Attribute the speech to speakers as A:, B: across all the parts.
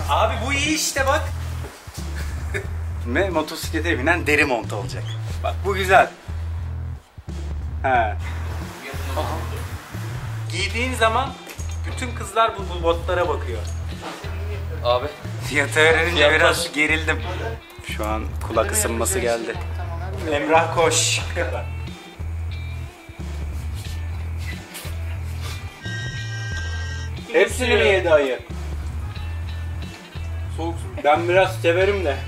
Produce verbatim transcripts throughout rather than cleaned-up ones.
A: Abi bu iyi işte bak. Ve motosiklete binen deri mont olacak. Bak bu güzel. He. Giydiğin zaman bütün kızlar bu, bu botlara bakıyor.
B: Abi.
A: Fiyatı öğrenince biraz gerildim. Şu an kulak ısınması geldi. Emrah koş. Hepsini mi yedi ayı?
B: Soğuk su.
A: Ben biraz severim de.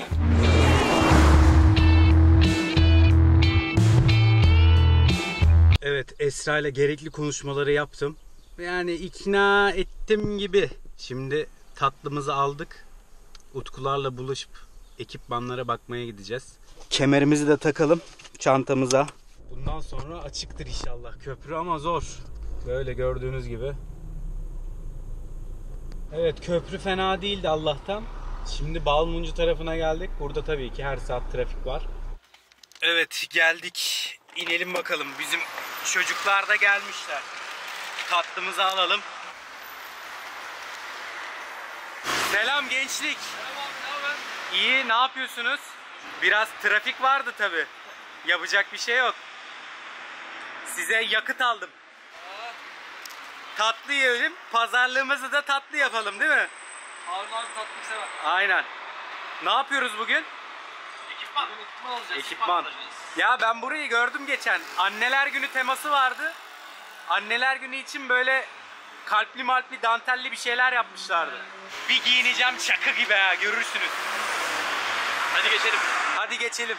A: Evet, Esra ile gerekli konuşmaları yaptım. Yani ikna ettim gibi. Şimdi tatlımızı aldık. Utkularla buluşup ekipmanlara bakmaya gideceğiz. Kemerimizi de takalım çantamıza. Bundan sonra açıktır inşallah köprü ama zor. Böyle gördüğünüz gibi. Evet, köprü fena değildi Allah'tan. Şimdi Balmuncu tarafına geldik. Burada tabii ki her saat trafik var. Evet, geldik. İnelim bakalım. Bizim çocuklar da gelmişler. Tatlımızı alalım. Selam gençlik.
B: Merhaba abi, ne haber?
A: İyi, ne yapıyorsunuz? Biraz trafik vardı tabii. Yapacak bir şey yok. Size yakıt aldım.
B: Aa,
A: Tatlı yiyelim, pazarlığımızı da tatlı yapalım değil mi?
B: Harun abi tatlıyı sever.
A: Aynen. Ne yapıyoruz bugün?
B: Ekipman. Bugün ekipman alacağız.
A: Ekipman. Ya ben burayı gördüm geçen. Anneler Günü teması vardı. Anneler Günü için böyle kalpli malpli dantelli bir şeyler yapmışlardı. Bir giyineceğim şaka gibi ha, görürsünüz.
B: Hadi geçelim.
A: Hadi geçelim.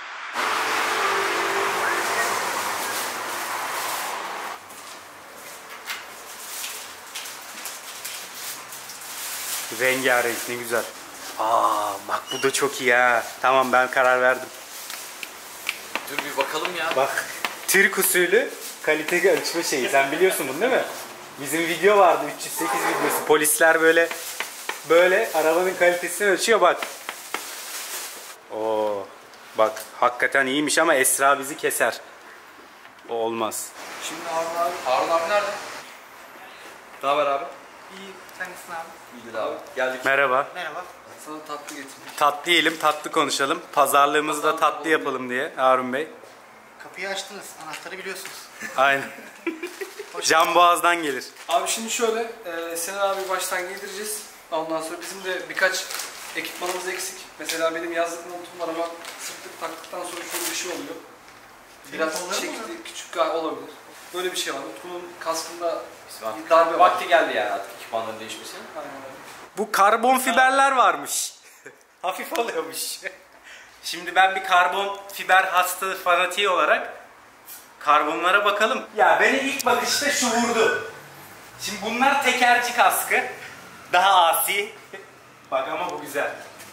A: Rengarenk, ne güzel. Aa bak bu da çok iyi ha. Tamam, ben karar verdim.
B: Dur bir bakalım ya.
A: Bak, Türk usulü kalite ölçme şeyi. Sen biliyorsun bunu değil mi? Bizim video vardı, üç yüz sekiz videosu. Polisler böyle böyle arabanın kalitesini ölçüyor bak. Oo, bak hakikaten iyiymiş ama Esra bizi keser. O olmaz.
B: Şimdi Harun abi. Harun abi nerede? Ne haber abi?
C: İyi, sen nasılsın abi?
B: İyidir abi. Geldik.
A: Merhaba.
C: Merhaba.
B: Sana tatlı getirdim.
A: Tatlı yiyelim, tatlı konuşalım. Pazarlığımızı da tatlı yapalım diye Harun Bey.
C: Kapıyı açtınız, anahtarı biliyorsunuz.
A: Aynen. Can Boğaz'dan gelir.
D: Abi şimdi şöyle, e, Sinan abi baştan giydireceğiz. Ondan sonra bizim de birkaç ekipmanımız eksik. Mesela benim yazlık montum var ama sırtlık taktıktan sonra şöyle bir şey oluyor. Biraz
C: Senin kolların
D: çekti, küçük gal olabilir. Böyle bir şey var. Utku'nun kaskında
B: Artık
D: darbe var.
B: vakti geldi yani artık ekipmanların değişmesinin.
D: Aynen öyle.
A: Bu karbon fiberler varmış. Hafif oluyormuş. Şimdi ben bir karbon fiber hasta fanatiği olarak karbonlara bakalım. Ya beni ilk bakışta şu vurdu. Şimdi bunlar tekerci kaskı. Daha asi. Bak ama bu güzel.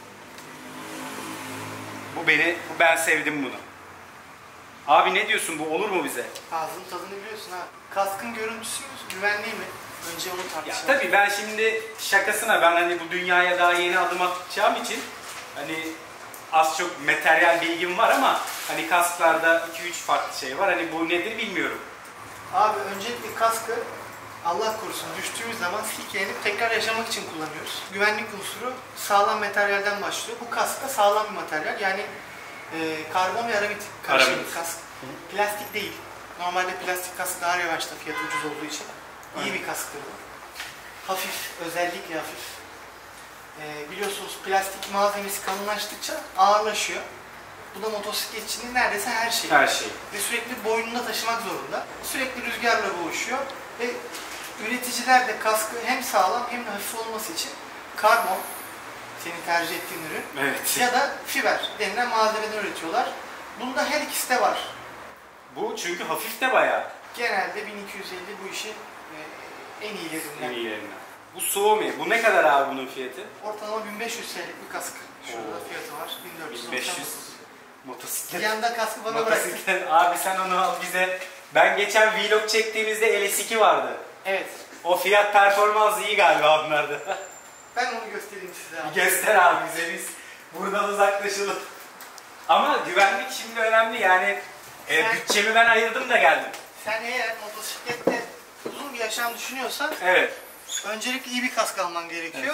A: Bu beni, bu ben sevdim bunu. Abi ne diyorsun, bu olur mu bize?
C: Ağzının tadını biliyorsun ha. Kaskın görüntüsü mü, güvenliği mi? Önce onu
A: Ya
C: tartışalım.
A: tabii ben şimdi şakasına, ben hani bu dünyaya daha yeni adım atacağım için hani az çok materyal bilgim var ama hani kasklarda iki üç farklı şey var. Hani bu nedir bilmiyorum.
C: Abi öncelikle kaskı Allah korusun düştüğümüz zaman silkelenip tekrar yaşamak için kullanıyoruz. Güvenlik unsuru sağlam materyalden başlıyor. Bu kask da sağlam bir materyal. Yani e, karbon ve aramit karışımı
A: Aramit.
C: bir kask. Plastik değil. Normalde plastik kask daha revaçta, fiyatı ucuz olduğu için. İyi
A: Aynen.
C: bir kasktır bu. Hafif, özellikle hafif. Ee, biliyorsunuz plastik malzemesi kalınlaştıkça ağırlaşıyor. Bu da motosikletçinin neredeyse her şeyi.
A: Her şey.
C: Ve sürekli boynunda taşımak zorunda. Sürekli rüzgarla boğuşuyor. Ve üreticiler de kaskı hem sağlam hem de hafif olması için karbon, senin tercih ettiğin ürün,
A: Evet.
C: ya da fiber denilen malzemeden üretiyorlar. Bunda her ikisi de var.
A: Bu çünkü hafif de bayağı.
C: Genelde bin iki yüz elli bu işin e, en iyilerinden.
A: En iyilerinden. Bu Suomi. Bu ne kadar abi bunun fiyatı?
C: Ortalama bin beş yüz TL'lik bir kask. Şurada
A: Oo.
C: fiyatı var. bin dört yüz
A: bin beş yüz.
C: Bir
A: Motosiklet.
C: yanda kaskı bana bıraktın.
A: Motosiklet. Abi sen onu al bize. Ben geçen vlog çektiğimizde L S iki vardı.
C: Evet.
A: O fiyat performans iyi galiba onlarda.
C: Ben onu göstereyim size abi.
A: Bir göster abi bize, biz buradan uzaklaşalım. Ama güvenlik şimdi önemli yani. E,
C: Sen-
A: bütçemi ben ayırdım da geldim.
C: Sen eğer motosiklette uzun bir yaşam düşünüyorsan
A: Evet.
C: öncelikle iyi bir kask alman gerekiyor.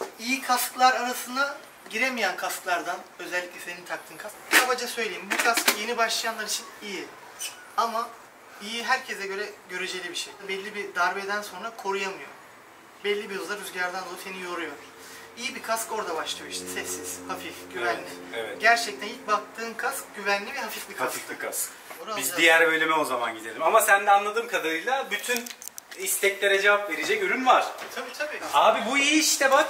C: iyi kasklar arasına giremeyen kasklardan, özellikle senin taktığın kask. Kabaca söyleyeyim, bu kask yeni başlayanlar için iyi. Ama iyi herkese göre göreceli bir şey. Belli bir darbeden sonra koruyamıyor. Belli bir hızla rüzgardan dolayı seni yoruyor. İyi bir kask orada başlıyor işte. Sessiz, hafif, güvenli.
A: Evet, evet.
C: Gerçekten ilk baktığın kask güvenli ve hafif bir kask.
A: Hafif bir kask.
C: Onu
A: Biz
C: alacağız.
A: diğer bölüme o zaman gidelim. Ama sen de anladığım kadarıyla bütün isteklere cevap verecek ürün var.
C: Tabii tabii.
A: Abi bu iyi işte bak.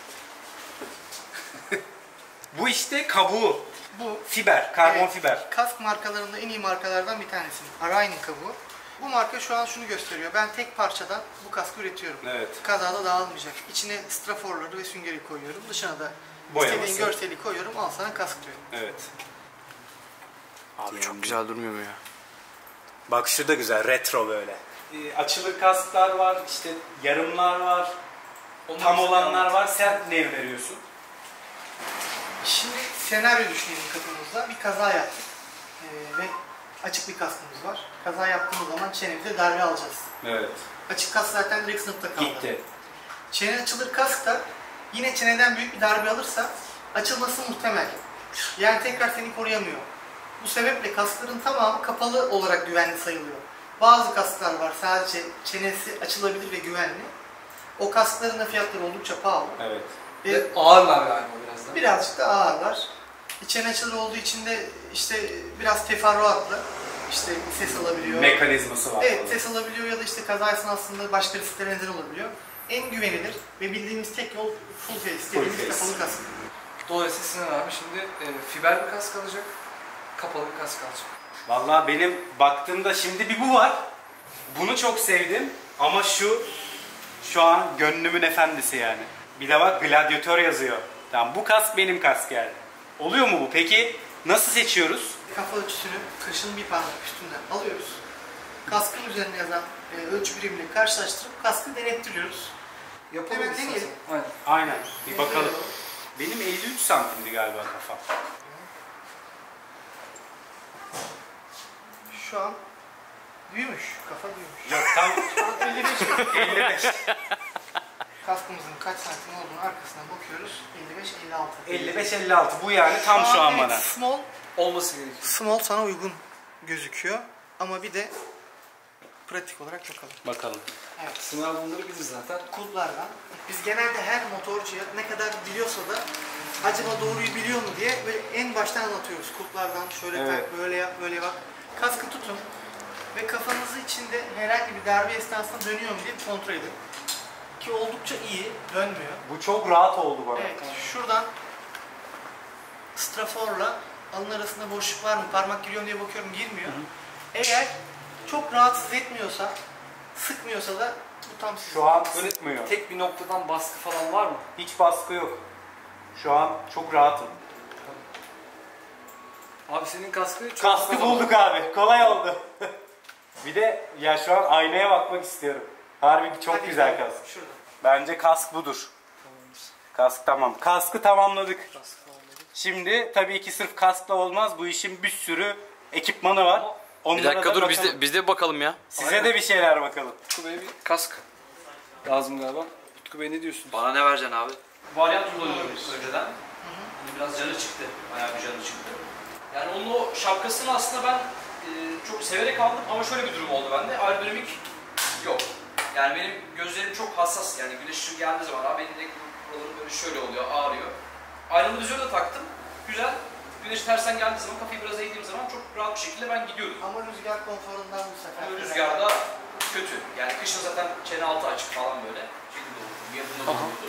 A: Bu işte kabuğu.
C: Bu
A: Fiber, karbon
C: Evet,
A: fiber.
C: kask markalarında en iyi markalardan bir tanesi. Arayn'in kabuğu. Bu marka şu an şunu gösteriyor. Ben tek parçadan bu kaskı üretiyorum.
A: Evet.
C: Kazada dağılmayacak. İçine straforları ve süngeri koyuyorum. Dışına da
A: Boyaması.
C: istediğin görseli koyuyorum. Al sana kask diyor.
A: Evet. Abi
B: Çok güzel durmuyor mu ya?
A: bakışı da güzel, retro böyle. Ee, açılı kasklar var, işte yarımlar var,
D: Onlar
A: tam
D: bize
A: olanlar
D: anlat.
A: var. Sen ne veriyorsun?
C: Şimdi senaryo düşünelim kafamızda. Bir kaza yaptık. Ee, ve açık bir kaskımız var. Kaza yaptığımız zaman çenemize darbe alacağız.
A: Evet.
C: Açık kask zaten direkt sınıfta kaldı.
A: Gitti.
C: Çene açılır kask da yine çeneden büyük bir darbe alırsa açılması muhtemel. Yani tekrar seni koruyamıyor. Bu sebeple kaskların tamamı kapalı olarak güvenli sayılıyor. Bazı kasklar var sadece çenesi açılabilir ve güvenli. O kaskların da fiyatları oldukça pahalı.
A: Evet.
C: Ve
D: Ve ağırlar galiba biraz da.
C: birazcık da ağırlar. Çene açılır olduğu için de işte biraz teferruatlı işte ses alabiliyor.
A: Mekanizması var.
C: Evet,
A: falan.
C: ses alabiliyor ya da işte kaza esnasında başka risklere neden olabiliyor. En güvenilir ve bildiğimiz tek yol full face dediğimiz
A: face.
C: kapalı kask.
D: Dolayısıyla Sinan abi şimdi e, fiber bir kask alacak, kapalı bir kask alacak.
A: Vallahi benim baktığımda şimdi bir bu var. Bunu çok sevdim ama şu şu an gönlümün efendisi yani. Bir de bak gladyatör yazıyor. Tamam, bu kask benim kask yani. Oluyor mu bu? Peki nasıl seçiyoruz?
C: Kafa ölçüsünü kaşın bir parmak üstünden alıyoruz. Kaskın üzerine yazan e, ölçü birimiyle karşılaştırıp kaskı denettiriyoruz.
D: Yapalım
C: Hemen
D: istersen.
C: deneyelim.
D: Aynen.
A: Aynen. Bir bakalım. Benim elli üç santimdi galiba kafam.
C: Şu an büyümüş, kafa büyümüş.
A: Yok tam
C: Şu an elli beş.
A: elli beş.
C: Kaskımızın kaç santim olduğunu arkasına bakıyoruz. elli beş elli altı.
A: elli beş elli altı bu yani tam şu an
C: evet,
A: bana.
C: Small,
D: Olması gerekiyor.
C: small sana uygun gözüküyor. Ama bir de pratik olarak bakalım.
A: Bakalım.
C: Evet.
D: Sinan abi bunları bilir zaten.
C: Kulplardan. Biz genelde her motorcuya ne kadar biliyorsa da acaba doğruyu biliyor mu diye böyle en baştan anlatıyoruz. Kulplardan şöyle
A: Evet.
C: tak, böyle yap, böyle bak. Kaskı tutun ve kafanızı içinde herhangi bir darbe esnasında dönüyor mu diye bir kontrol edin. Ki oldukça iyi, dönmüyor.
A: Bu çok rahat oldu bana.
C: Evet, şuradan straforla alın arasında boşluk var mı, parmak giriyor mu diye bakıyorum, girmiyor. Eğer çok rahatsız etmiyorsa, sıkmıyorsa da bu tam sizin.
A: Şu an sıkmıyor.
D: Tek bir noktadan baskı falan var mı?
A: Hiç baskı yok. Şu an çok rahatım.
D: Abi senin kaskı çok
A: Kaskı bulduk abi. Kolay oldu. Bir de ya şu an aynaya bakmak istiyorum. Harbi çok
C: Hadi
A: güzel
C: gidelim.
A: kask.
C: Şurada.
A: Bence kask budur. Kask tamam. Kaskı tamamladık.
D: Kaskı tamamladık.
A: Şimdi tabii ki sırf kaskla olmaz. Bu işin bir sürü ekipmanı var.
B: Bir
A: Onlara
B: dakika
A: da
B: dur biz
A: bakalım.
B: de, biz de bakalım ya.
A: Size
D: Aynen.
A: de bir şeyler bakalım.
D: Utku Bey'e bir kask lazım galiba. Utku Bey ne diyorsun?
B: Bana ne vereceksin abi?
E: Varyant kullanıyorum önceden. Hani biraz canı çıktı. Bayağı bir canı çıktı. Yani onun o şapkasını aslında ben e, çok severek aldım ama şöyle bir durum oldu bende. Aerodinamik yok. Yani benim gözlerim çok hassas. Yani güneş ışığı geldiği zaman abi benim de buralarım böyle şöyle oluyor, ağrıyor. Aynalı vizörü de taktım. Güzel. Güneş tersten geldiği zaman, kafayı biraz eğdiğim zaman çok rahat bir şekilde ben gidiyordum.
C: Ama rüzgar konforundan bu sefer.
E: Ama rüzgarda kötü. Yani kışın zaten çene altı açık falan böyle. Şekilde olurdu. Yapımda
D: Aha.
E: olurdu.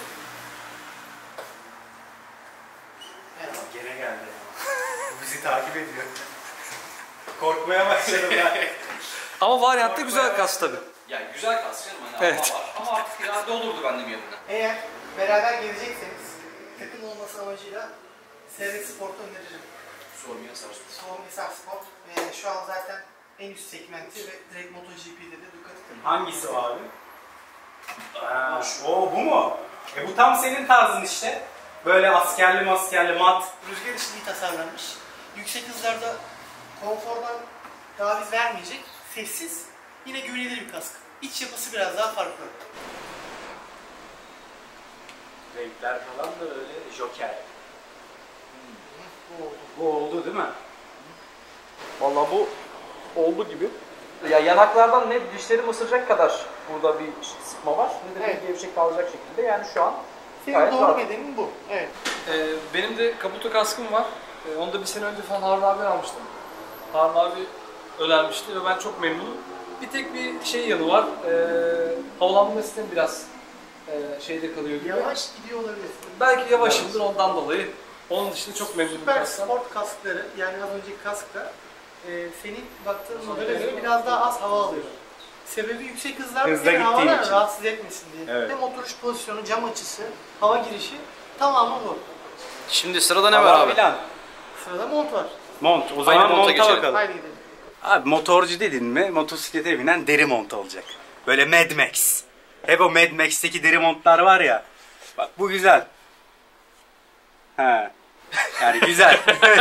C: Evet.
A: Gene geldi. Bu bizi takip ediyor. Korkmaya başladım ben.
D: Ama varyatta güzel kask tabi.
E: Yani güzel kas canım hani
D: Evet.
E: ama var. Ama artık irade olurdu bende bir yerine.
C: Eğer beraber gelecekseniz takım olması amacıyla Servet Sport'u öneririm.
E: Sormaya sarsın.
C: Soğum Hisar Sport ve şu an zaten en üst segmenti ve direkt MotoGP'de de Ducati takımı.
A: Hangisi o abi? Aa, o bu mu? E bu tam senin tarzın işte. Böyle askerli maskerli mat.
C: Rüzgar için iyi tasarlanmış. Yüksek hızlarda konfordan taviz vermeyecek, sessiz, yine güvenilir bir kask. İç yapısı biraz daha farklı.
A: Renkler falan da öyle joker.
C: Bu oldu.
A: Bu oldu değil mi?
D: Vallahi bu oldu gibi. Ya yanaklardan ne dişlerimi ısıracak kadar burada bir sıkma var ne de
C: Evet.
D: bir gevşek kalacak şekilde. Yani şu an
C: Senin
D: gayet
C: doğru
D: rahat.
C: bedenin bu. Evet.
D: Ee, benim de kaputo kaskım var. Ee, onu da bir sene önce falan Harun abi almıştım. Harun abi önermişti ve ben çok memnunum. Bir tek bir şey yanı var. Ee, havalandırma sistemi biraz e, şeyde kalıyor gibi.
C: Yavaş gidiyor olabilir.
D: Belki yavaşımdır ondan dolayı. Onun dışında çok memnunum.
C: Süper
D: kasktan.
C: sport kaskları, yani az önceki kaskla e, senin baktığın modele göre biraz daha az hava alıyor. Sebebi yüksek hızlarda
A: Hızla
C: seni
A: gittiğin
C: havadan
A: için.
C: rahatsız etmesin diye.
A: Evet.
C: Hem oturuş pozisyonu, cam açısı, hava girişi tamamı bu.
E: Şimdi sırada ne var abi?
A: Filan.
C: Sırada mont var.
A: Mont. O zaman
E: monta
A: monta
E: geçelim.
A: bakalım.
C: Haydi gidelim.
A: Abi motorcu dedin mi motosiklete binen deri mont olacak. Böyle Mad Max. Hep o Mad Max'teki deri montlar var ya. Bak bu güzel. He. Yani güzel.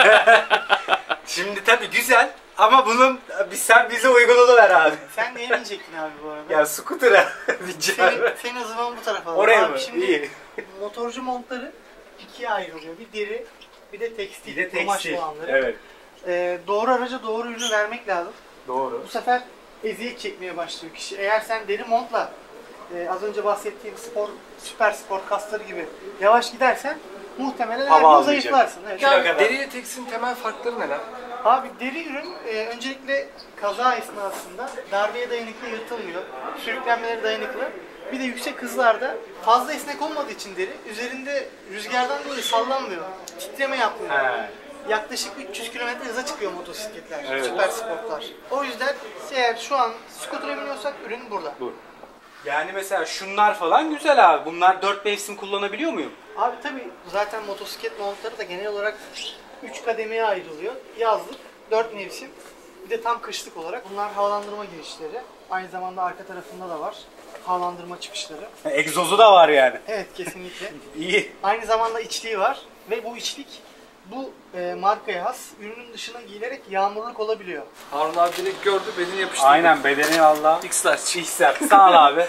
A: Şimdi tabii güzel ama bunun bir sen bize uygununu ver abi.
C: Sen neye binecektin abi bu arada?
A: Ya scooter'a bineceğim.
C: Senin, senin o zaman bu tarafa alalım.
A: Oraya
C: Abi
A: mı?
C: Şimdi
A: İyi.
C: motorcu montları ikiye ayrılıyor. Bir deri, bir de tekstil,
A: Bir de
C: kumaş
A: tekstil.
C: olanları.
A: Evet.
C: Ee, doğru araca doğru ürünü vermek lazım.
A: Doğru.
C: Bu sefer eziyet çekmeye başlıyor kişi. Eğer sen deri montla e, az önce bahsettiğim spor, süper spor kasları gibi yavaş gidersen muhtemelen
A: Hava
C: her gün
A: almayacak.
C: zayıflarsın. Evet.
A: Kilo
D: Yani
A: kadar.
D: deriye tekstilin temel farkları neler?
C: Abi deri ürün e, öncelikle kaza esnasında darbeye dayanıklı, yırtılmıyor. Sürüklenmelere dayanıklı. Bir de yüksek hızlarda fazla esnek olmadığı için deri üzerinde rüzgardan dolayı sallanmıyor. Titreme yapmıyor.
A: He.
C: Yaklaşık üç yüz kilometre hıza çıkıyor motosikletler,
A: Evet.
C: süper sportlar. O yüzden eğer şu an scooter'a biniyorsak ürün burada.
A: Bu. Yani mesela şunlar falan güzel abi. Bunlar dört mevsim kullanabiliyor muyum?
C: Abi tabii zaten motosiklet montları da genel olarak üç kademeye ayrılıyor. Yazlık, dört mevsim, bir de tam kışlık olarak. Bunlar havalandırma girişleri. Aynı zamanda arka tarafında da var havalandırma çıkışları.
A: Egzozu da var yani.
C: Evet, kesinlikle.
A: İyi.
C: Aynı zamanda içliği var ve bu içlik bu e, markaya has ürünün dışına giyilerek yağmurluk olabiliyor.
D: Harun abi direkt gördü, bedeni yapıştırdı.
A: Aynen bedeni valla.
D: X-Large.
A: İhsan. Sağ ol abi.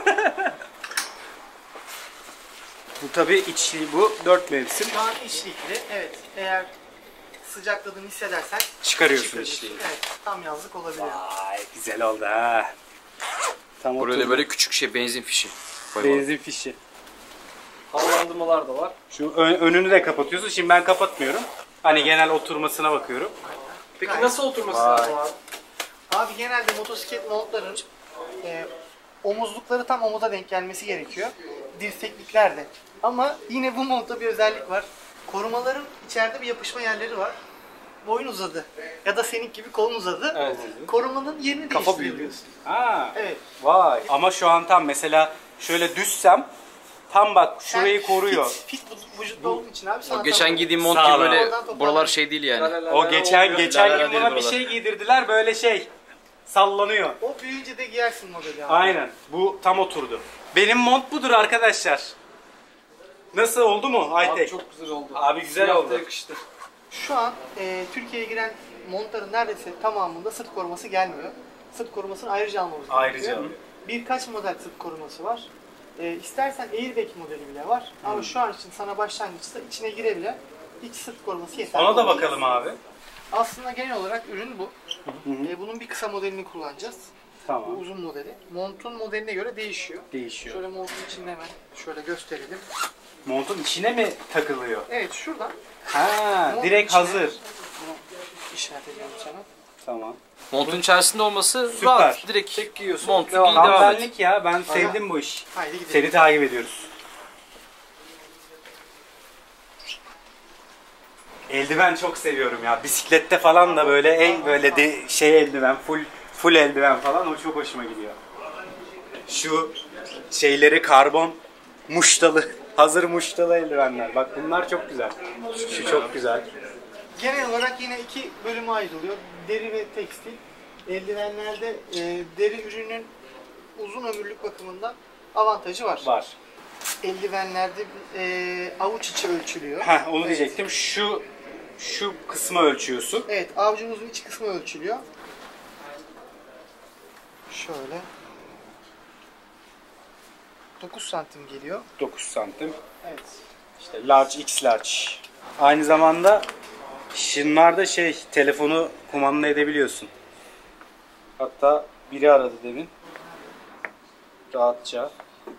A: Bu tabi içli bu. Dört mevsim.
C: Şu an içlikli. Evet. Eğer sıcakladığını hissedersen
A: Çıkarıyorsun
C: çıkarıyorsun.
A: içliği.
C: Evet. Tam yazlık olabiliyor.
A: Vay güzel oldu ha. Tam
E: Buraya
A: oturdu.
E: da böyle küçük şey benzin fişi. koyalım.
A: Benzin fişi.
D: Havalandırmalar da var.
A: Şu ön- önünü de kapatıyorsun. Şimdi ben kapatmıyorum. Hani genel oturmasına bakıyorum.
D: Peki
C: Gayet-
D: nasıl oturması
A: Vay.
D: lazım abi?
C: Abi genelde motosiklet montların e, omuzlukları tam omuza denk gelmesi gerekiyor. Dirseklikler de. Ama yine bu montta bir özellik var. Korumaların içeride bir yapışma yerleri var. Boyun uzadı. Ya da senin gibi kolun uzadı.
D: Evet.
C: Korumanın yerini
D: Kafa
C: değiştiriyorsun.
A: Ha.
C: Evet.
A: Vay. Ama şu an tam mesela şöyle düşsem tam bak şurayı
C: Sen
A: koruyor.
C: Fit, fit vü- vücutta olduğun için abi sana
E: O geçen
C: tam-
E: giydiğim mont
A: Sağ
E: gibi
A: ol
E: böyle
C: Oradan toparlan.
E: buralar şey değil yani.
A: O geçen geçen
E: La la la
A: gün
E: değil
A: buna bir
E: buralar.
A: şey giydirdiler böyle şey sallanıyor.
C: O büyüyünce de giyersin modeli abi.
A: Aynen. Bu tam oturdu. Benim mont budur arkadaşlar. Nasıl oldu mu
D: Abi
A: Aytek?
D: çok güzel oldu.
A: Abi güzel
D: Siyah da
A: oldu.
D: yakıştı.
C: Şu an e, Türkiye'ye giren montların neredeyse tamamında sırt koruması gelmiyor. Sırt korumasını ayrıca almamız
A: Ayrıca
C: gerekiyor.
A: alıyor.
C: Birkaç model sırt koruması var. E, istersen airbag modeli bile var. Ama şu an için sana başlangıçta içine girebilen iç sırt koruması yeterli.
A: Ona da
C: olacak.
A: bakalım abi.
C: Aslında genel olarak ürün bu. E, bunun bir kısa modelini kullanacağız. Bu
A: Tamam.
C: uzun modeli. Montun modeline göre değişiyor.
A: Değişiyor.
C: Şöyle montun içinde hemen şöyle gösterelim.
A: Montun içine mi takılıyor?
C: Evet, şuradan
A: Ha,
C: montun
A: direkt
C: içine-
A: hazır.
C: Bunu işaret ediyorum sana.
A: Tamam.
E: Montun içerisinde olması
A: Süper.
E: rahat. Direkt
D: Tek giyiyorsun.
E: montu
D: devam.
E: giy
A: Tam
E: devam et.
A: benlik ya. Ben sevdim bu iş.
C: Haydi gidelim.
A: Seni takip ediyoruz. Eldiven çok seviyorum ya. Bisiklette falan da böyle en böyle de şey eldiven, full full eldiven falan o çok hoşuma gidiyor. Şu şeyleri karbon muştalı, hazır muştalı eldivenler. Bak bunlar çok güzel. Şu çok güzel.
C: Genel olarak yine iki bölüme ayrılıyor. Deri ve tekstil. Eldivenlerde e, deri ürünün uzun ömürlük bakımından avantajı var.
A: Var.
C: Eldivenlerde e, avuç içi ölçülüyor.
A: Heh, onu
C: Evet.
A: diyecektim. Şu şu kısmı ölçüyorsun.
C: Evet, avucumuzun iç kısmı ölçülüyor. Şöyle. dokuz santim geliyor.
A: dokuz santim.
C: Evet.
A: İşte large, X large. Aynı zamanda şunlarda şey, telefonu kumanda edebiliyorsun. Hatta biri aradı demin. Rahatça.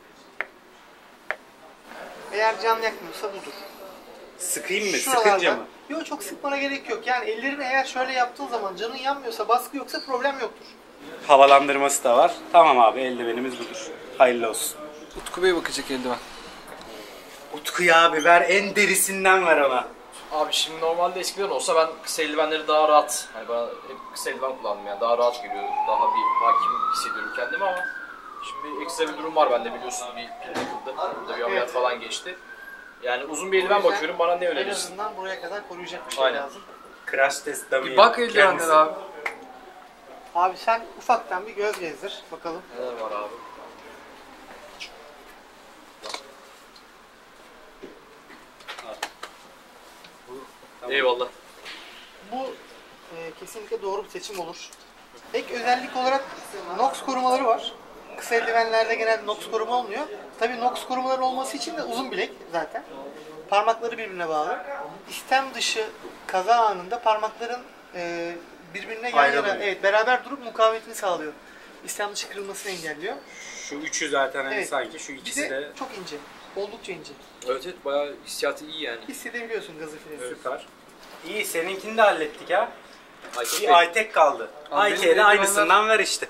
C: Eğer can yakmıyorsa budur.
A: Sıkayım mı?
C: Şuralarda-
A: Sıkınca mı?
C: Yok, çok sıkmana gerek yok. Yani ellerini eğer şöyle yaptığın zaman canın yanmıyorsa, baskı yoksa problem yoktur.
A: Havalandırması da var. Tamam abi, eldivenimiz budur. Hayırlı olsun.
D: Utku Bey bakacak eldiven.
A: Utku'ya abi ver, en derisinden ver ona.
E: Abi şimdi normalde eskiden olsa ben kısa eldivenleri daha rahat, hani bana hep kısa eldiven kullandım yani daha rahat geliyor, daha bir hakim hissediyorum kendimi ama şimdi ekstra bir durum var bende biliyorsun, bir pil takıldı, burada bir ameliyat falan geçti. Yani uzun bir eldiven bakıyorum, bana ne
C: En
E: önerirsin?
C: azından buraya kadar koruyacak bir şey
E: Aynen.
C: lazım.
A: Crash test dummy.
D: Bir bak eldivenlere abi.
C: Abi sen ufaktan bir göz gezdir bakalım.
E: Neler var abi? Eyvallah.
C: Bu e, kesinlikle doğru bir seçim olur. Ek özellik olarak NOx korumaları var. Kısa eldivenlerde genelde NOx koruma olmuyor. Tabii NOx korumaları olması için de uzun bilek zaten. Parmakları birbirine bağlı. İstem dışı kaza anında parmakların e, birbirine yan yana,
A: Ayrılıyor.
C: evet, beraber durup mukavemetini sağlıyor. İstem dışı kırılmasını engelliyor.
A: Şu üçü zaten hani
C: Evet.
A: sanki, şu
C: Bir
A: ikisi
C: de
A: de
C: çok ince. Oldukça ince.
E: Evet evet bayağı hissiyatı iyi yani.
C: Hissedebiliyorsun gazı freni.
A: süper. İyi, seninkini de hallettik ha.
E: Aytek
A: Bir
E: Bey,
A: Aytek kaldı.
D: Abi benim
A: Aytek'e de
D: eldivenler-
A: aynısından ver işte.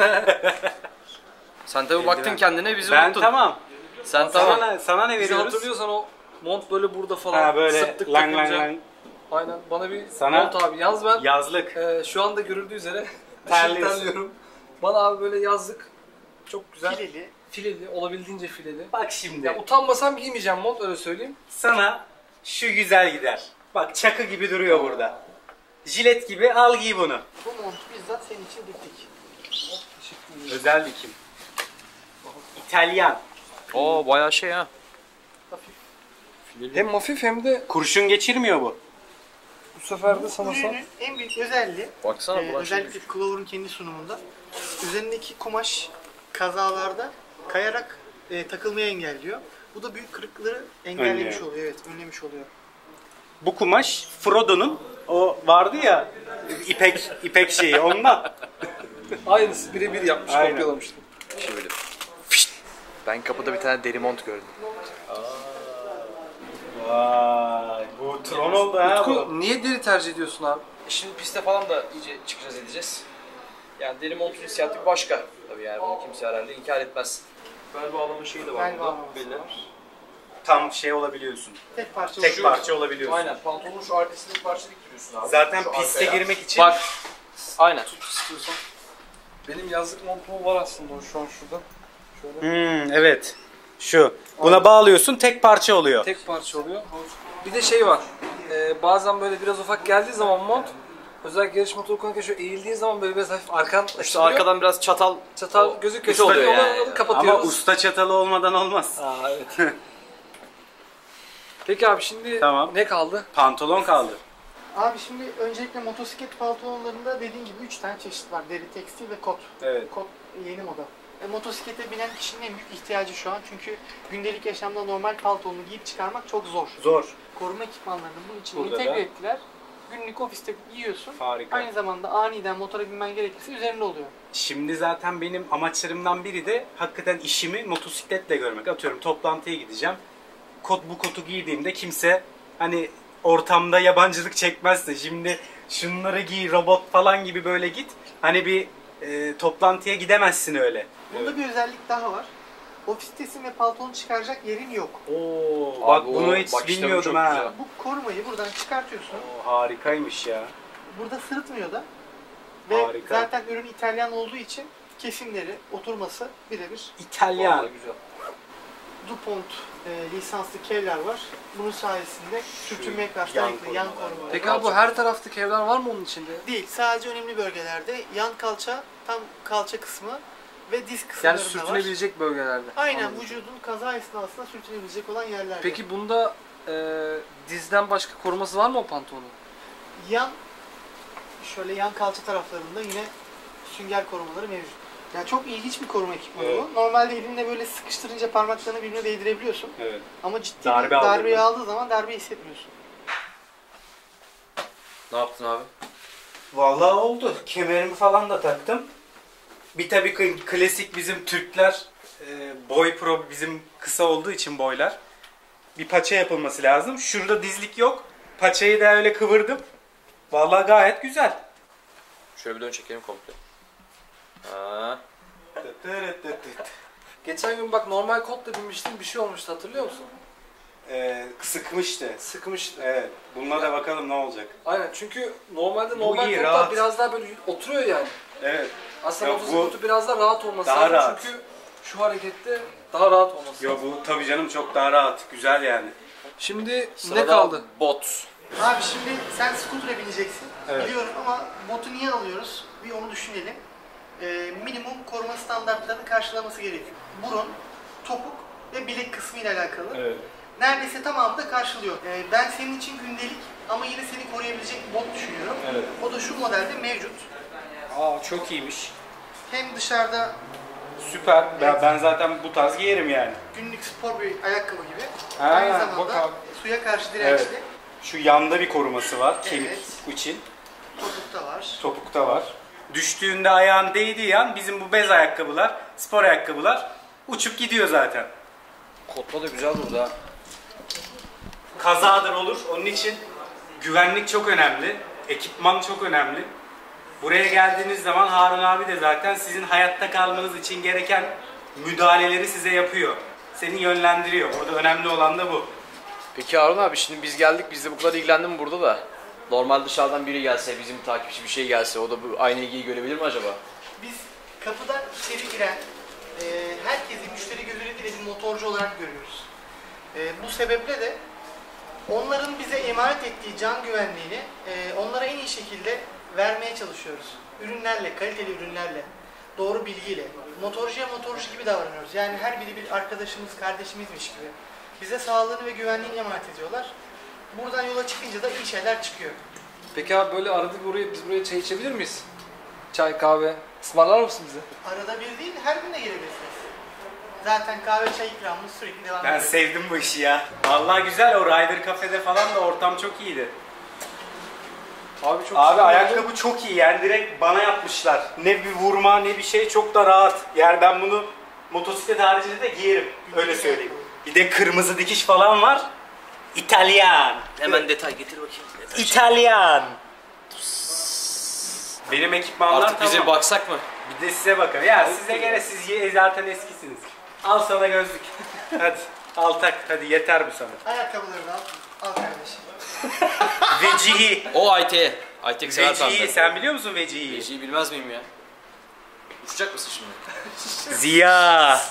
E: sen tabii baktın kendine bizi
A: Ben
E: unuttun.
A: tamam.
E: Sen
A: Sana,
E: tamam.
A: ne, sana ne
D: Bizi
A: veriyoruz?
D: hatırlıyorsan o mont böyle burada falan
A: Ha böyle
D: sıktık
A: lang lang
D: takınca.
A: lang.
D: Aynen bana bir
A: Sana-
D: mont abi. Yalnız ben
A: Yazlık.
D: e, şu anda görüldüğü üzere
A: Terliyorsun.
D: terliyorum. Bana abi böyle yazlık çok güzel
C: Fileli.
D: fileli, olabildiğince fileli.
A: Bak şimdi.
D: Ya utanmasam giymeyeceğim mont, öyle söyleyeyim.
A: Sana şu güzel gider. Bak çakı gibi duruyor burada. Jilet gibi, al giy bunu.
C: Bu montu bizzat senin için diktik.
A: Özel dikim. İtalyan.
E: Oo bayağı şey ha.
C: Hafif.
D: Hem hafif hem de
A: Kurşun geçirmiyor bu.
D: bu sefer de
C: Bu
D: sanırsam
C: ürünün en büyük özelliği,
E: Baksana
C: e,
E: bu şey.
C: özellikle Clover'ın kendi sunumunda, üzerindeki kumaş kazalarda kayarak e, takılmayı engelliyor. Bu da büyük kırıkları engellemiş
A: Önlüyor.
C: oluyor, evet, önlemiş oluyor.
A: Bu kumaş Frodo'nun o vardı ya ipek ipek şeyi ondan.
D: aynısı birebir yapmış,
A: Aynen.
D: kopyalamıştım.
E: Şöyle. Ben kapıda bir tane deri mont gördüm.
A: Vay, bu Tron oldu ha bu.
D: Utku niye deri tercih ediyorsun abi?
E: Şimdi piste falan da iyice çıkacağız edeceğiz. Yani deri montun hissiyatı bir başka. Tabii yani bunu kimse herhalde inkar etmez. Bel bağlama şeyi de var
C: Bel
E: burada.
C: bağlaması
E: Belli.
C: var.
A: Tam şey olabiliyorsun.
C: Tek parça
A: Tek
C: ucu.
A: parça olabiliyorsun.
E: Aynen pantolonun şu arkasını bir parça diktiriyorsun abi.
A: Zaten
E: Şu
A: piste
E: arkaya.
A: girmek için
E: Bak. Aynen.
D: İstiyorsan. Benim yazlık montum var aslında o şu an şurada. Şöyle.
A: Hmm, evet. Şu. Buna bağlıyorsun, tek parça oluyor.
D: Tek parça oluyor. Bir de şey var. E, bazen böyle biraz ufak geldiği zaman mont, özellikle yarış motoru kullanırken şöyle eğildiğin zaman böyle biraz hafif arkan
E: İşte
D: açılıyor.
E: arkadan biraz çatal
D: çatal gözüküyor.
E: kötü oluyor
D: Onu
E: yani.
D: kapatıyoruz.
A: Ama usta çatalı olmadan olmaz.
D: Aa, evet. Peki abi şimdi
A: Tamam.
D: ne kaldı?
A: Pantolon kaldı.
C: Abi şimdi öncelikle motosiklet pantolonlarında dediğin gibi üç tane çeşit var. Deri, tekstil ve kot.
A: Evet.
C: Kot yeni moda. E, motosiklete binen kişinin en büyük ihtiyacı şu an. Çünkü gündelik yaşamda normal paltonu giyip çıkarmak çok zor.
A: Zor.
C: Koruma ekipmanlarını bunun için
A: Burada
C: entegre
A: da-
C: ettiler. Günlük ofiste giyiyorsun.
A: Harika.
C: Aynı zamanda aniden motora binmen gerekirse üzerinde oluyor.
A: Şimdi zaten benim amaçlarımdan biri de hakikaten işimi motosikletle görmek. Atıyorum toplantıya gideceğim. Kot bu kotu giydiğimde kimse hani ortamda yabancılık çekmezse şimdi şunları giy robot falan gibi böyle git. Hani bir e, toplantıya gidemezsin öyle.
C: Bunda bir özellik daha var. Ofistesin ve paltonu çıkaracak yerin yok.
A: Oo,
E: Abi
A: bak
E: o
A: bunu hiç
E: bakışları
A: bilmiyordum
E: çok
A: ha.
E: güzel.
C: Bu korumayı buradan çıkartıyorsun.
A: Oo, harikaymış ya.
C: Burada sırıtmıyor da. Ve
A: Harika.
C: zaten ürün İtalyan olduğu için kesimleri, oturması birebir.
A: İtalyan.
E: Vallahi güzel.
C: DuPont e, lisanslı kevlar var. Bunun sayesinde sürtünmeye karşı
A: yan
C: dayanıklı yan
A: korumalar.
C: koruma.
D: Peki abi bu her tarafta kevlar var mı onun içinde?
C: Değil, sadece önemli bölgelerde yan kalça, tam kalça kısmı ve diz
D: Yani
C: kısımlarında var.
D: sürtünebilecek bölgelerde.
C: Aynen,
D: Anladım.
C: vücudun kaza esnasında sürtünebilecek olan yerlerde.
D: Peki bunda e, dizden başka koruması var mı o pantolonun?
C: yan, şöyle yan kalça taraflarında yine sünger korumaları mevcut. Yani çok ilginç bir koruma ekipmanı
A: Evet.
C: bu. Normalde elinde böyle sıkıştırınca parmaklarını birbirine değdirebiliyorsun.
A: Evet.
C: Ama ciddi
A: Darbe
C: bir darbeyi
A: aldığında.
C: aldığı zaman darbe hissetmiyorsun.
E: Ne yaptın abi?
A: Vallahi oldu. Kemerimi falan da taktım. Bir tabii ki klasik bizim Türkler e, boy pro bizim kısa olduğu için boylar. Bir paça yapılması lazım. Şurada dizlik yok. Paçayı da öyle kıvırdım. Vallahi gayet güzel.
E: Şöyle bir dön çekelim komple. Ha.
D: Geçen gün bak normal kotla binmiştim, bir şey olmuştu, hatırlıyor musun?
A: Ee, sıkmıştı.
D: Sıkmıştı.
A: Evet. Bununla da bakalım ne olacak.
D: Aynen, çünkü normalde
A: Bu
D: normal
A: iyi,
D: kotlar
A: rahat.
D: biraz daha böyle oturuyor yani.
A: Evet.
D: Aslında
A: Ya
D: motosiklet
A: bu
D: kotu biraz daha rahat olması
A: daha
D: lazım
A: rahat.
D: çünkü şu harekette daha rahat olması
A: Yo
D: lazım.
A: bu tabii canım çok daha rahat. Güzel yani.
D: Şimdi
E: Sırada
D: ne kaldı?
E: Bot.
C: Abi şimdi sen scooter'a bineceksin.
A: Evet.
C: Biliyorum ama botu niye alıyoruz? Bir onu düşünelim. Ee, minimum koruma standartlarını karşılaması gerekiyor. Burun, topuk ve bilek kısmı ile alakalı.
A: Evet.
C: Neredeyse tamamı da karşılıyor. Ee, ben senin için gündelik ama yine seni koruyabilecek bir bot düşünüyorum.
A: Evet.
C: O da şu modelde mevcut.
A: Aa çok iyiymiş.
C: Hem dışarıda
A: Süper. Ben, ben zaten bu tarz giyerim yani.
C: günlük spor bir ayakkabı gibi.
A: Ha,
C: Aynı
A: bak
C: zamanda
A: abi.
C: suya karşı dirençli.
A: Evet. Şu yanda bir koruması var kemik
C: Evet.
A: için.
C: Topukta var.
A: Topukta var. Düştüğünde ayağın değdiği an bizim bu bez ayakkabılar, spor ayakkabılar uçup gidiyor zaten.
E: Kotla da güzel burada.
A: Kazadır olur. Onun için güvenlik çok önemli. Ekipman çok önemli. Buraya geldiğiniz zaman Harun abi de zaten sizin hayatta kalmanız için gereken müdahaleleri size yapıyor. Seni yönlendiriyor. Burada önemli olan da bu.
E: Peki Harun abi, şimdi biz geldik, biz de bu kadar ilgilendim burada da. Normal dışarıdan biri gelse, bizim takipçi bir şey gelse, o da bu aynı ilgiyi görebilir mi acaba?
C: Biz kapıdan içeri giren e, herkesi müşteri gözüyle değil bir motorcu olarak görüyoruz. E, bu sebeple de onların bize emanet ettiği can güvenliğini e, onlara en iyi şekilde vermeye çalışıyoruz. Ürünlerle, kaliteli ürünlerle, doğru bilgiyle. Motorcuya motorcu gibi davranıyoruz. Yani her biri bir arkadaşımız, kardeşimizmiş gibi. Bize sağlığını ve güvenliğini emanet ediyorlar. Buradan yola çıkınca da iyi şeyler çıkıyor.
D: Peki abi böyle arada buraya, biz buraya çay içebilir miyiz? Çay, kahve. Ismarlar mısın bize?
C: Arada bir değil, her gün de gelebilirsiniz. Zaten kahve çay ikramımız sürekli devam
A: Ben
C: ediyor.
A: sevdim bu işi ya. Vallahi güzel, o Rider Cafe'de falan da ortam çok iyiydi.
D: Abi çok
A: Abi
D: güzel oldu.
A: ayakkabı çok iyi yani, direkt bana yapmışlar. Ne bir vurma ne bir şey, çok da rahat. Yani ben bunu motosiklet haricinde de giyerim. Öyle söyleyeyim. Bir de kırmızı dikiş falan var. İtalyan.
E: Hemen detay getir bakayım. Detay.
A: İtalyan. Benim ekipmanlar
E: Artık bize
A: tamam.
E: baksak mı?
A: Bir de size bakın. Ya size göre siz ye- zaten eskisiniz. Al sana gözlük. Hadi al tak. Hadi yeter bu sana.
C: Ayakkabıları da al. Al kardeşim.
A: Vecihi.
E: O I T. I T sever
A: Vecihi.
E: bende.
A: Sen biliyor musun Vecihi?
E: Vecihi bilmez miyim ya? Uçacak mısın şimdi?
A: Ziya.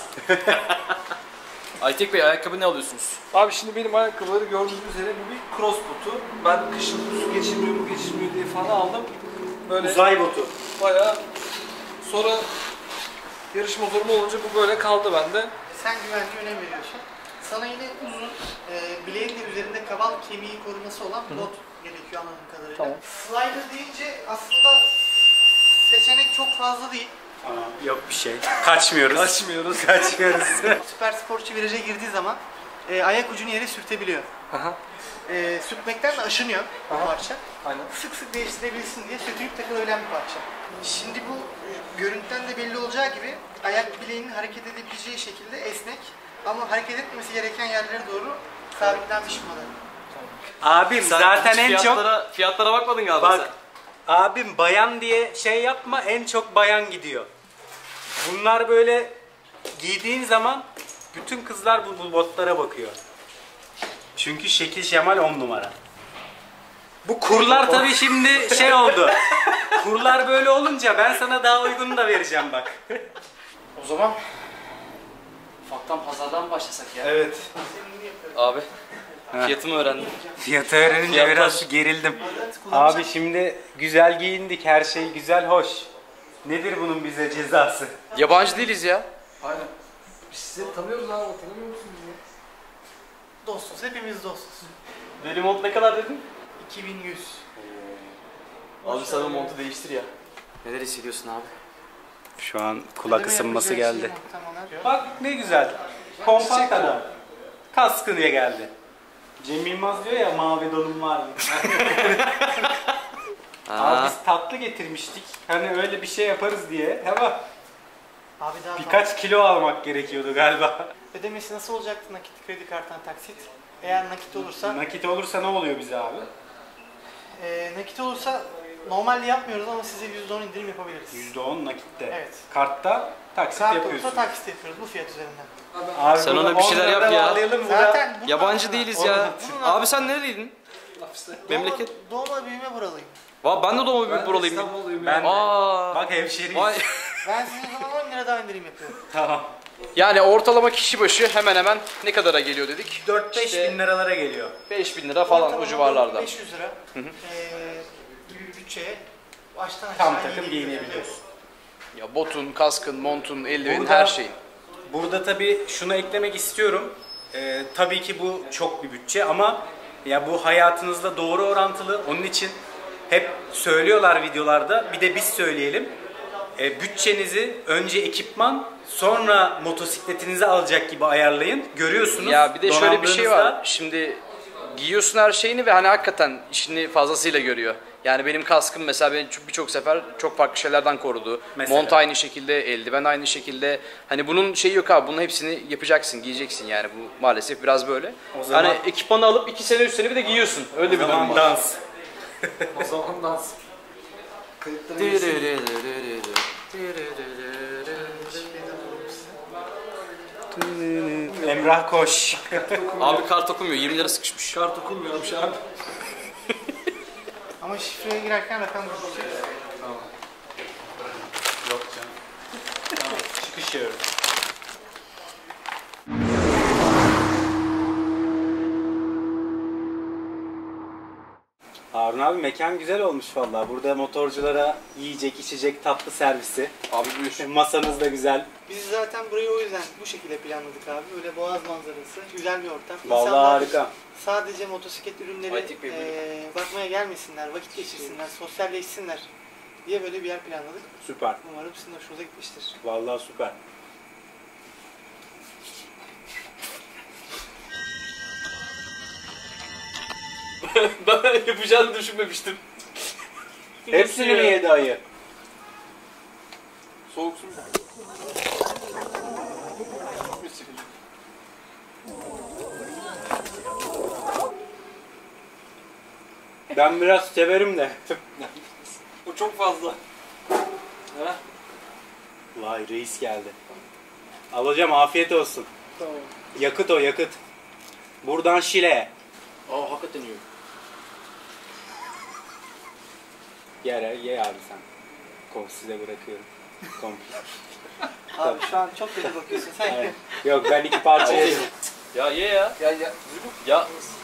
E: Aytek Bey, ayakkabı ne alıyorsunuz?
D: Abi şimdi benim ayakkabıları gördüğünüz üzere bu bir cross botu. Ben kışın su geçirmiyor mu geçirmiyor diye falan aldım. Böyle
A: Uzay botu.
D: bayağı sonra yarış motorum olunca bu böyle kaldı bende.
C: Sen güvenliğe önem veriyorsun. Sana yine uzun, e, bileğin de üzerinde kabal kemiği koruması olan bir bot gerekiyor anladığım kadarıyla.
D: Tamam.
C: Slider deyince aslında seçenek çok fazla değil.
A: Aa, yok bir şey. Kaçmıyoruz.
D: Kaçmıyoruz.
A: Kaçmıyoruz.
C: Süper sporcu viraja girdiği zaman e, ayak ucunu yere sürtebiliyor.
D: Aha.
C: E, sürtmekten de aşınıyor bu
D: Aha.
C: parça.
D: Aynen.
C: Sık sık değiştirebilsin diye sürtülüp takılabilen bir parça. Şimdi bu e, görüntüden de belli olacağı gibi ayak bileğinin hareket edebileceği şekilde esnek ama hareket etmesi gereken yerlere doğru sabitlenmiş bir model.
A: Abim zaten en çok...
E: fiyatlara, Fiyatlara bakmadın galiba
A: Bak abim bayan diye şey yapma, en çok bayan gidiyor. Bunlar böyle giydiğin zaman bütün kızlar bu, bu botlara bakıyor. Çünkü şekil şemal on numara. Bu kurlar tabii şimdi şey oldu. Kurlar böyle olunca ben sana daha uygununu da vereceğim bak.
E: O zaman ufaktan pazardan başlasak ya.
A: Evet.
E: Abi fiyatımı öğrendim.
A: Fiyatı öğrenince
E: Fiyatlar.
A: biraz gerildim. Abi şimdi güzel giyindik, her şey güzel, hoş. Nedir bunun bize cezası?
E: Yabancı değiliz ya.
D: Aynen. Biz sizi tanıyoruz abi, tanımıyor musunuz bizi?
C: Dostuz, hepimiz dostuz.
E: Benim mont ne kadar dedin?
C: iki bin yüz.
E: Abi sen o montu değiştir ya. Neler hissediyorsun abi?
A: Şu an kulak
C: Ödeme
A: ısınması
C: yapacağı
A: geldi.
C: şey muhtemelen.
A: Bak ne güzel. Kompakt adam. Kaskı diye geldi. Cem Yılmaz diyor ya mavi donum var mı? Abi biz tatlı getirmiştik. Hani öyle bir şey yaparız diye. Ama
C: Abi daha
A: birkaç kilo almak gerekiyordu galiba.
C: ödemesi nasıl olacaktı nakit, kredi karttan taksit? Eğer nakit olursa,
A: Nakit olursa ne oluyor bize abi?
C: e, nakit olursa normalde yapmıyoruz ama size yüzde on indirim yapabiliriz.
A: yüzde on nakitte.
C: Evet.
A: Kartta taksit
C: Kart
A: yapıyorsun.
C: olursa taksit yapıyoruz bu fiyat üzerinden.
A: Abi
E: Sen
A: burada
E: ona bir şeyler
A: on
E: yap
A: lira
E: ya.
A: bağlayalım burada.
C: Zaten bunun
E: Yabancı
C: altına-
E: değiliz ya.
C: Bunun
E: Abi sen nereliydin? Memleket.
C: Doğma, doğma büyüme buralıyım.
E: Va ben de doğma büyük
D: Ben
E: buralıyım.
D: İstanbulluyum
A: Ben
D: ya.
A: de.
E: Aa.
A: Bak hemşeriyiz.
E: Vay.
C: Ben size o zaman on lira daha indirim yapıyorum.
A: Tamam.
E: Yani ortalama kişi başı hemen hemen ne kadara geliyor dedik?
A: dört beş
E: İşte
A: bin liralara geliyor.
E: beş bin lira falan o
C: Ortalama
E: civarlarda.
C: beş yüz lira eee gibi bir bütçeye baştan aşağı
A: Tam
C: yedi
A: takım
C: yüz
A: giyinebiliyorsun.
E: Ya botun, kaskın, montun, eldivenin
A: Burada-
E: her şeyin.
A: Burada tabii şunu eklemek istiyorum. Ee, tabii ki bu çok bir bütçe ama ya bu hayatınızla doğru orantılı. Onun için hep söylüyorlar videolarda. Bir de biz söyleyelim. Ee, bütçenizi önce ekipman, sonra motosikletinizi alacak gibi ayarlayın. Görüyorsunuz.
E: Ya bir de şöyle bir şey
A: donanımlarınızda-
E: var. Şimdi giyiyorsun her şeyini ve hani hakikaten işini fazlasıyla görüyor. Yani benim kaskım mesela beni çok- birçok sefer çok farklı şeylerden korudu.
A: Mesela?
E: Mont aynı şekilde, eldiven aynı şekilde. Hani bunun şeyi yok abi. Bunun hepsini yapacaksın, giyeceksin yani. Bu maalesef biraz böyle.
A: O zaman-
E: Hani ekipmanı alıp iki sene üç sene bir de giyiyorsun. Öyle bir durum
A: Zaman
E: var.
A: dans.
D: O zaman dans. Kayıtlara
C: şey
A: Emrah koş.
E: Abi kart okumuyor. yirmi lira sıkışmış.
D: Kart okunmuyormuş abi.
C: Ama şifreye girerken rakam gözükecek.
A: Yok canım. Tamam, çıkışıyorum. Harun abi mekan güzel olmuş vallahi. Burada motorculara yiyecek, içecek, tatlı servisi.
E: Abi buyur.
A: Masanız da güzel.
C: Biz zaten burayı o yüzden bu şekilde planladık abi. Böyle boğaz manzarası, güzel bir ortam.
A: Vallahi
C: İnsanlar
A: harika.
C: sadece motosiklet ürünleri
E: Aytik Bey, buyurun.
C: eee, bakmaya gelmesinler, vakit geçirsinler, sosyalleşsinler diye böyle bir yer planladık.
A: Süper.
C: Umarım sizin hoşunuza gitmiştir.
A: Vallahi süper.
E: Ben yapacağını düşünmemiştim.
A: Hepsini mi yedi ayı?
E: Soğuk su.
A: Ben biraz severim de.
E: Bu çok fazla. Ha?
A: Vay reis geldi. Alacağım afiyet olsun.
C: Tamam.
A: Yakıt o yakıt. Buradan Şile'ye.
E: Aa hakikaten iyi.
A: Ye, ye abi sen. Kom size bırakıyorum. Komple.
C: Abi şu an çok kötü bakıyorsun sen.
A: Evet. Yok ben iki parça yedim.
E: Ya ye ya.
D: Ya ya.
E: Ya